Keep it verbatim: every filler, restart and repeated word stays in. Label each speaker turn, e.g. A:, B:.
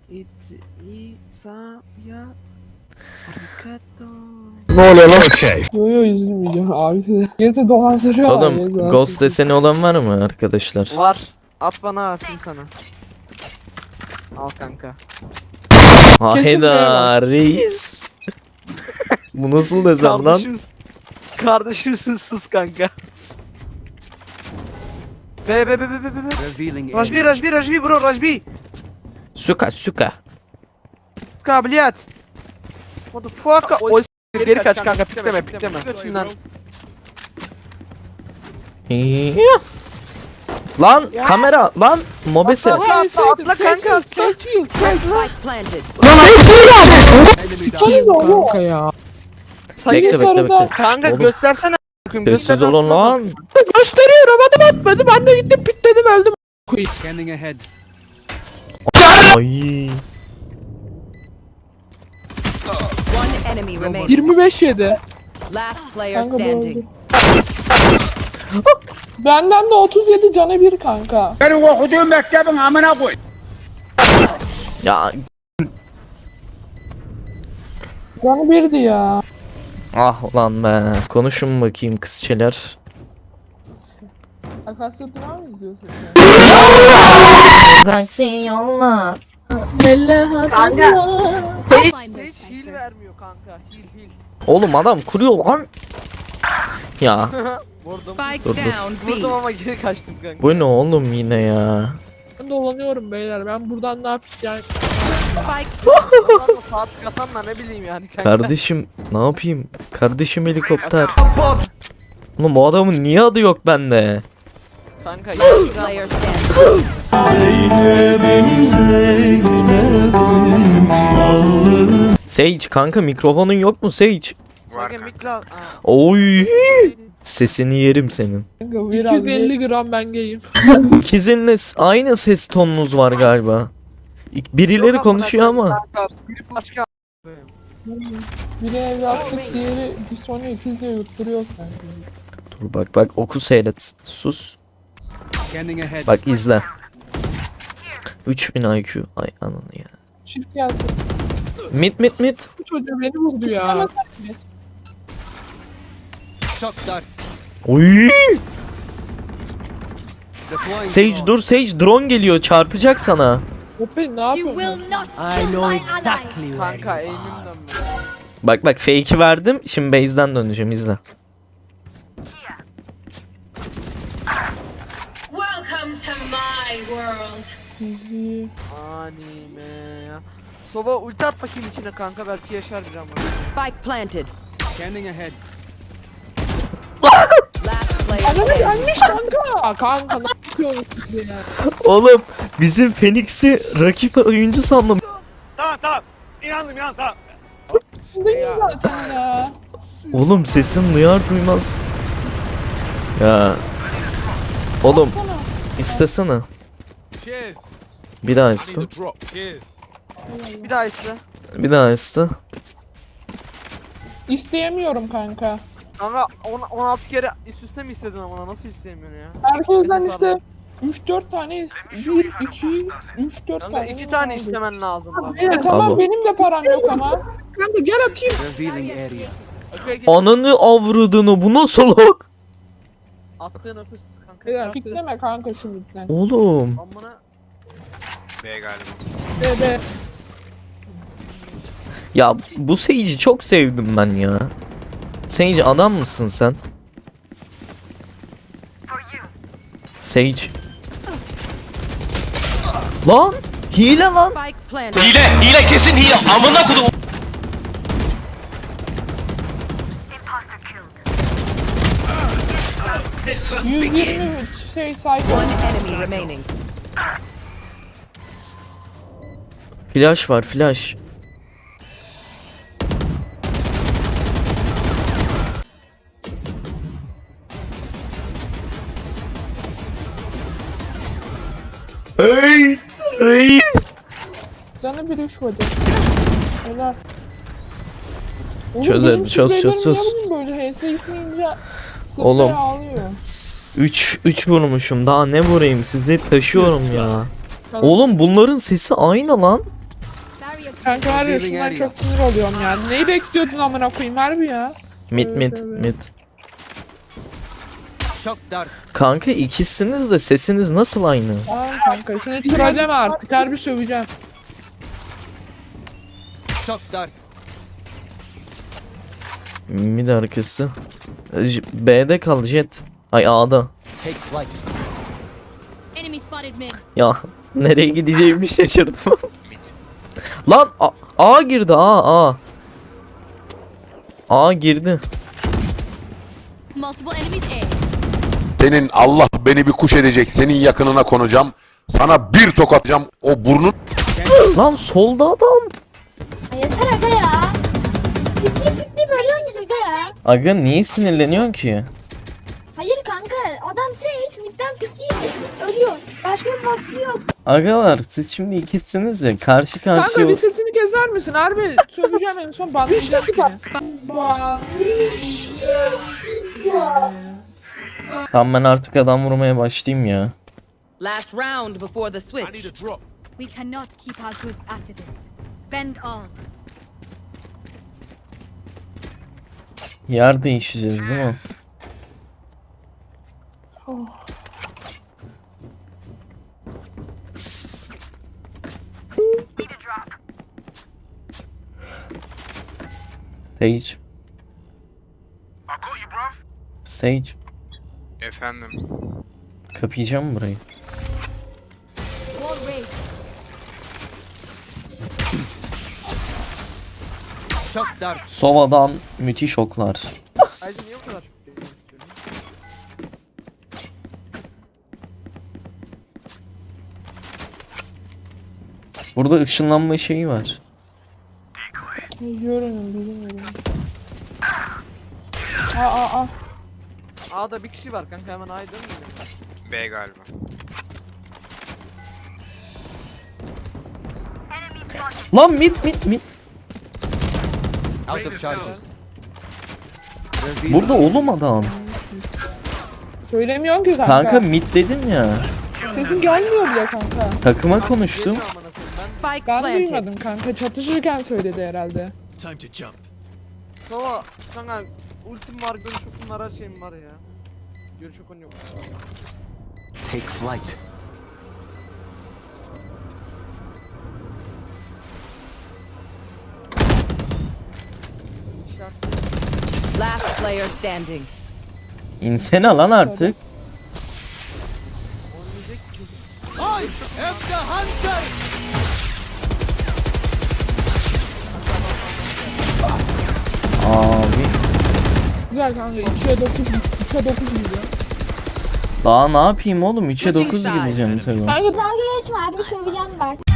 A: it İsa ya Harikato.
B: Ne oluyor lan? Okey.
C: Yo yo üzülmeyeceğim abi. Gezi dolandırıyor abi.
D: Oğlum
C: Gezi
D: Ghost
C: abi.
D: deseni olan var mı arkadaşlar?
A: Var. At bana atayım sana. Al kanka.
D: Hayda reis. Bu nasıl desem lan?
A: Kardeşimiz. Kardeşimsin sus kanka. Be be be be be be. Rajbi Rajbi Rajbi bro Rajbi.
D: Suka suka.
A: Kabiliyet. Motherfucker. Oy s- geri kaç kanka pikleme pikleme. Götünden.
D: Lan kamera lan mobese.
A: Atla atla atla kanka atla.
C: Seçil, seçil.
E: Spike planted.
C: Sikiriz oğlum. Kanka ya.
D: Bekle bekle
C: sarıda-
D: bekle.
A: Kanka
D: Oğlum,
A: göstersene.
D: sessiz olun lan.
C: Gösteriyorum adım atmadı. Ben de gittim pitledim öldüm.
F: Scanning ahead.
D: Ay.
E: One enemy remaining.
C: yirmi beş yedi.
E: Last player
C: Kanka bu
E: standing.
C: öldü. Benden de otuz yedi canı bir kanka.
F: Benim okuduğum mektebin amına koy.
D: Ya
C: Canı birdi ya.
D: ah ulan be. Konuşun bakayım kızçeler.
C: Akasya Durağı mı izliyorsun?
D: Bıraksın yolla.
A: Hiç heal vermiyor kanka. Heal heal.
D: Oğlum adam kuruyor lan. Ya
A: Vurdum.
E: Spike
D: Dur, dur.
E: down
A: Vurdum ama geri kaçtım kanka.
D: bu ne oğlum yine ya.
C: Ben dolanıyorum beyler. Ben buradan ne yapacağım?
E: Spike
A: Adamla saat katanla ne bileyim yani kanka.
D: Kardeşim ne yapayım? Kardeşim helikopter. Oğlum bu adamın niye adı yok bende?
A: Kanka
E: player standing.
D: Sage kanka mikrofonun yok mu Sage?
A: Sage mikla.
D: Oy. Sesini yerim senin.
C: iki yüz elli gram ben geyim.
D: İkizinle s- aynı ses tonunuz var galiba. İk- Birileri konuşuyor ama.
A: Biri başka.
C: Biri evlatlık, diğeri bir sonra ikiz diye yutturuyor sanki.
D: Dur bak bak oku seyret. Sus.
F: Scanning ahead.
D: Bak izle. üç bin I Q. Ay ananı ya.
C: Çift gelsin.
D: Mit mit mit.
C: Bu çocuğu beni vurdu ya.
F: Shot start.
D: Oy.
F: Deploying
D: Sage
F: drone.
D: dur Sage drone geliyor çarpacak sana.
C: Hoppe ne yapıyorsun?
A: Kanka eğimim dönmüyor.
D: Bak bak fake'i verdim. Şimdi base'den döneceğim izle.
G: Welcome to my world.
A: Anime ya. Soba ulti at bakayım içine kanka belki yaşar bir ama.
E: Spike planted.
F: Scanning ahead.
E: Last player
C: Ananı
E: standing.
C: gelmiş kanka. Kanka ne yapıyorsun ya?
D: Oğlum bizim Phoenix'i rakip oyuncu sandım.
C: Değil zaten ya.
D: Oğlum sesim duyar duymaz. Ya. Oğlum istesene.
F: Cheers.
D: Bir daha iste.
F: drop. Cheers.
A: Bir daha iste.
D: Bir daha iste.
C: İsteyemiyorum kanka.
A: Kanka on, on altı kere üst üste mi istedin ama nasıl isteyemiyorsun ya?
C: Herkesten
A: Nefes
C: işte
A: aldım.
C: üç dört tane is- bir iki üç dört
A: Kanka
C: tane.
A: iki tane
C: aldı.
A: istemen lazım lan.
C: Evet tamam
D: Tamam.
C: benim de param yok ama. Kanka gel atayım.
F: Revealing area.
A: Okey gel.
D: Ananı avradını bu nasıl hak?
A: Attığın öpüs kanka.
C: Beyler
A: Yaptı.
C: pikleme kanka şu lütfen.
D: Oğlum.
A: Amına.
C: Be be.
D: Ya bu Sage'i çok sevdim ben ya. Sage adam mısın sen? Sage. Lan hile lan.
E: Spike planted.
C: yüz yirmi üç şey sayfa.
E: One enemy remaining.
D: Flash var flash. Hey reis.
C: Canı bir üç vurdu. Helal. Oğlum
D: Çözer,
C: benim
D: çöz,
C: sizlerim
D: çöz, çöz.
C: niye böyle H S gitmeyince sırtı
D: Oğlum.
C: ağlıyor.
D: üç üç vurmuşum daha ne vurayım sizi taşıyorum ya. Oğlum bunların sesi aynı lan.
C: Kanka var ya şundan çok sinir oluyorum ya. Neyi bekliyordun amına koyayım harbi ya.
D: Mid mid
C: Evet, evet.
D: mid.
F: Shock dart.
D: Kanka ikisiniz de sesiniz nasıl aynı?
C: Tamam kanka seni trolleme artık harbi söveceğim.
F: Shock dart.
D: Mid arkası. J- B'de kal Jet. Ay A'da.
F: Take flight.
G: Enemy spotted mid.
D: Ya nereye gideceğimi şaşırdım. Lan A, A girdi A A. A girdi.
G: Multiple enemies A.
B: Senin Allah beni bir kuş edecek. Senin yakınına konacağım. Sana bir tokatacağım. O burnun
D: Lan solda adam.
H: Yeter aga ya. Bitti bitti böyle oynayacak aga ya.
D: Aga niye sinirleniyorsun ki?
H: Hayır kanka adam Sage midden piktiği ölüyor. Başka bir vasfı yok.
D: Agalar siz şimdi ikisiniz ya karşı
C: Kanka
D: karşıya.
C: bir sesini keser misin? Harbi söveceğim en son banlayacağım seni. Ban.
D: Tamam ben artık adam vurmaya başlayayım ya.
E: Last round before the switch.
F: drop.
G: We cannot keep our goods after this. Spend all.
D: Yer değişeceğiz değil mi? Sage. Sage.
I: Efendim.
D: Kapayacağım mı burayı?
G: Wall raised.
F: Shock dart.
D: Sova'dan müthiş oklar.
A: Ayrıca niye o kadar çok geliyor?
D: Burada ışınlanma şeyi var.
C: Görünüm bilmiyorum. Aa aa aa.
A: A'da bir kişi var kanka, hemen A'ya dönmeyelim.
I: B galiba.
D: Lan mit mit mit.
F: Out of charges.
D: Burada oğlum adam.
C: Söylemiyorsun ki kanka.
D: Kanka mit dedim ya.
C: Sesin gelmiyor bile kanka.
D: Takıma konuştum.
A: Geliyor amına koyayım ben.
E: Spike
C: Ben
E: planted.
C: duymadım kanka. Çatışırken söyledi herhalde.
F: Time to jump.
A: Sova kanka ultim var, görüş okum var, her şeyim var ya. Görüş okun yok.
F: Take flight.
E: Last player standing.
D: İnsene lan artık.
A: Olmayacak ki.
F: I am the hunter.
D: Abi.
C: Güzel kanka. ikiye dokuz. ikiye dokuz gidiyor.
D: Daha ne yapayım oğlum? üçe
E: Switching
D: dokuz
E: sides.
D: gideceğim tabii.
C: Kanka
H: Dalga geçme harbi söveceğim bak.